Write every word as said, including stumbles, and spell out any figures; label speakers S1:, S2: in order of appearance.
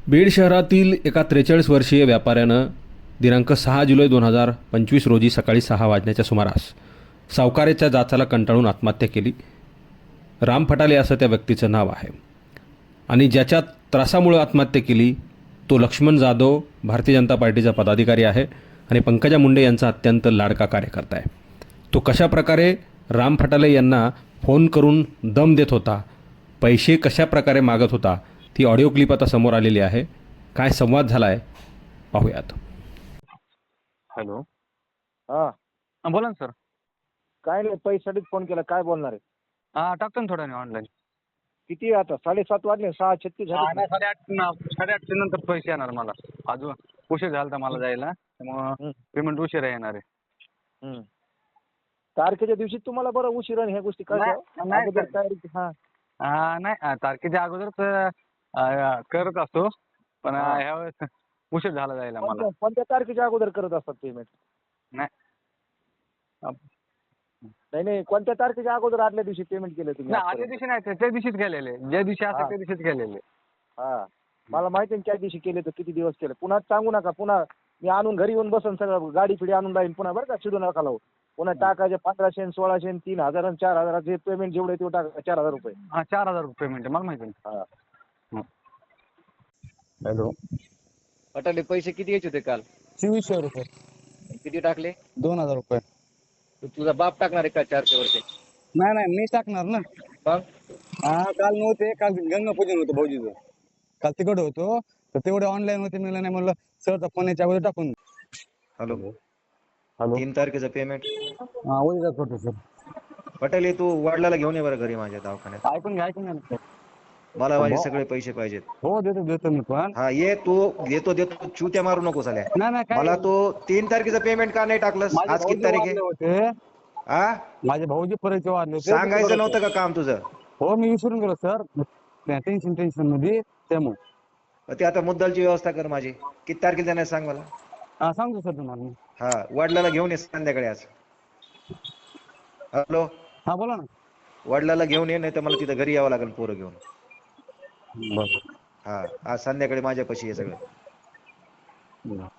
S1: बीड शहरातील एका त्रेचाळीस वर्षीय व्यापाऱ्यानं दिनांक सहा जुलै दोन हजार पंचवीस रोजी सकाळी सहा वाजण्याच्या सुमारास सावकाराच्या जाचाला कंटाळून आत्महत्या केली. राम फटाले असं त्या व्यक्तीचं नाव आहे आणि ज्याच्या त्रासामुळं आत्महत्या केली तो लक्ष्मण जाधव भारतीय जनता पार्टीचा पदाधिकारी आहे आणि पंकजा मुंडे यांचा अत्यंत लाडका कार्यकर्ता आहे. तो कशाप्रकारे राम फटाले यांना फोन करून दम देत होता, पैसे कशाप्रकारे मागत होता, ती ऑडिओ क्लिप आता समोर आलेली आहे. काय संवाद झाला आहे पाहूयात.
S2: हॅलो.
S3: हा
S2: हा, बोला ना सर.
S3: काय नाही, पैशासाठीच फोन केला. काय बोलणार आहे?
S2: हा, टाकतो ना थोड्या वेळाने ऑनलाईन.
S3: किती आता साडेसात वाजले, सहा छत्तीस झाले.
S2: साडेआठ न- साडेआठच्या नंतर पैसे येणार मला. अजून उशीर झाला तर मला जायला, त्यामुळं
S3: हं,
S2: पेमेंट उशिरा येणार आहे.
S3: हं. तारखेच्या दिवशी तुम्हाला बरं उशिरा ह्या गोष्टी
S2: नाही,
S3: कळतात.
S2: नाही
S3: अगोदर
S2: सर.
S3: तयारी हा
S2: हा, नाही अं, तारखेच्या अगोदरच अं, करत असतो, पण
S3: हा.
S2: अं, ह्या वेळेस उशीर झाला जायला मला.
S3: कोणत्या कोणत्या तारखेच्या अगोदर करत असतात पेमेंट?
S2: नाही अं,
S3: नाही नाही कोणत्या तारखेच्या अगोदर आदल्या दिवशी पेमेंट केलं तुम्ही
S2: नाही, आदल्या
S3: आजपर्यंत?
S2: दिवशी नाही, त्या दिवशीच केलेले. ज्या दिवशी
S3: हा.
S2: असेल त्या दिवशीच केलेले.
S3: हा मला माहिती आहे ना, त्या दिवशी केले तर किती दिवस केले. पुन्हा सांगू नका. पुन्हा मी आणून घरी येऊन बसन, सगळं गाडी फिडी आणून राहील पुन्हा, बरं का? चिडू नका लावू. पुन्हा टाकायचे पंधराशे आणि सोळाशे आणि तीन हजार आणि चार हजाराचे पेमेंट जेवढे तेवढं टाका. चार हजार रुपये.
S2: हा, चार हजार रुपये पेमेंट आहे, मला माहिती आहे.
S3: हा
S2: हॅलो.
S3: पटाले पैसे किती यायचे होते काल?
S2: चोवीसशे रुपये.
S3: किती टाकले?
S2: दोन हजार रुपये.
S3: तू तुझा बाप टाकणार आहे का चारशे वरचे?
S2: नाही नाही, मी टाकणार ना.
S3: मग
S2: हा, काल नव्हते, काल गंगापूजन होतं भाऊजीचं. काल तिकडे होतो तर तेवढे ऑनलाईन होते, मिळालं नाही, म्हणलं सरचा फोन याच्या अगोदर टाकून.
S4: हॅलो.
S2: हॅलो.
S4: तीन तारखेचं पेमेंट
S2: हा, उद्या करतो सर.
S4: पटेल हे तू वडिलाला घेऊन ये बरं घरी माझ्या दवाखान्यात.
S2: ऐकून घ्या, ऐकून घ्या ना सर.
S4: मला माझे
S2: भाऊ-
S4: सगळे पैसे पाहिजेत.
S2: हो, देतो देतो मी पण.
S4: हा ये, तू देतो देतो चुत्या मारू नको साल्या.
S2: नाही नाही, काय
S4: मला तो तीन तारखेचं पेमेंट का नाही टाकलंस?
S2: माझे
S4: आज किती
S2: भाऊजी
S4: तारीख
S2: वारले
S4: आहे?
S2: होते.
S4: हा,
S2: माझे भाऊजी परिचय वाढले होते.
S4: सांगायचं नव्हतं का काम तुझं?
S2: हो, मी विसरून गेलो सर, टेन्शन टेन्शन मध्ये, त्यामुळे.
S4: ते आता मुद्दलची व्यवस्था कर माझी. किती तारखेला जाणार सांग मला.
S2: हा, सांगतो सर तुम्हाला मी.
S4: हा, वडिलाला घेऊन ये संध्याकाळी आज. हॅलो.
S2: हा, बोला ना.
S4: वडिलाला घेऊन ये, नाही तर मला तिथं घरी यावं लागेल पोरं घेऊन.
S2: बरं
S4: हा, आज संध्याकाळी माझ्यापाशी ये सगळं.
S2: बरं.